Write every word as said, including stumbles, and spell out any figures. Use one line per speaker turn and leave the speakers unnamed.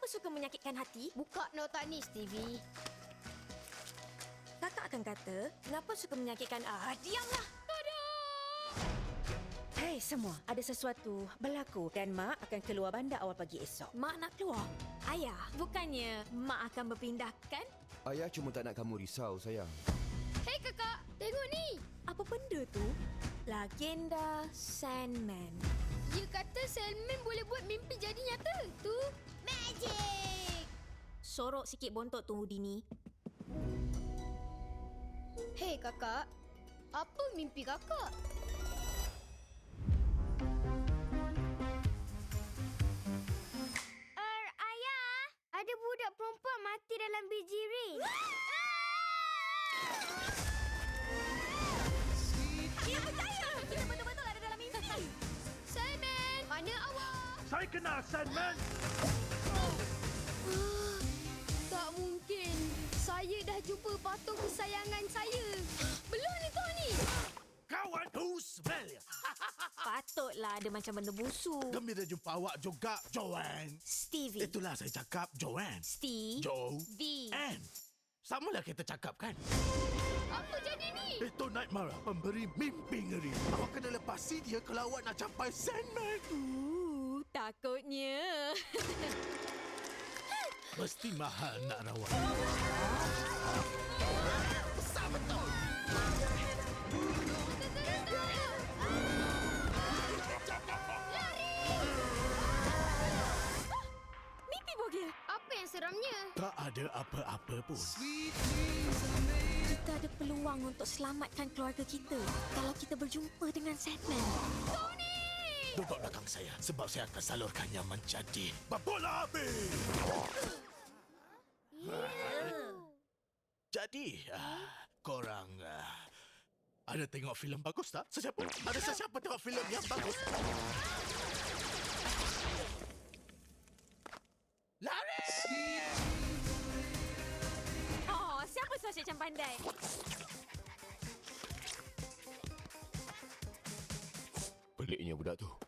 suka menyakitkan hati?
Buka nota ni, Stevie.
Kakak akan kata, kenapa suka menyakitkan... Ah, diamlah!
Tada!
Hei semua, ada sesuatu berlaku dan Mak akan keluar bandar awal pagi esok.
Mak nak keluar. Ayah, bukannya Mak akan berpindahkan?
Ayah cuma tak nak kamu risau, sayang.
Hei kakak, tengok ni.
Apa benda tu? Legenda Sandman.
Dia kata Sandman boleh buat mimpi jadi nyata. Tu magic.
Sorok sikit bontot tu, Dini.
Hei kakak, apa mimpi kakak? Er, ayah, ada budak perempuan mati dalam biji rin.
Dia percaya! Kita betul-betul ada dalam mimpi.
Sandman, mana awak?
Saya kenal Sandman.
Tak mungkin. Saya dah jumpa patung kesayangan saya. Belum ni kau ni.
Kawan Husbel.
Patutlah ada macam benda busuk.
Gembira jumpa awak juga, Joanne.
Stevie.
Itulah saya cakap, Joanne.
Steve.
Jo.
V.
Anne. Samalah kita cakap kan?
Apa jadi ni?
Itu Nightmare, pemberi mimpi ngeri. Awak kena lepasi dia kalau awak nak capai Sandman.
Uh, takutnya.
Mesti mahal nak rawat. Besar betul.
Mimpi bogel.
Apa yang seramnya?
Tak ada apa-apa pun.
Kita ada peluang untuk selamatkan keluarga kita kalau kita berjumpa dengan Sandman.
Tony!
Duduk belakang saya sebab saya akan salurkannya menjadi bola habis. Jadi, uh, korang uh, ada tengok filem bagus tak? Sesiapa? Ada sesiapa tengok filem yang bagus? Lari!
Oh, siapa Sasha macam pandai?
Peliknya budak tu.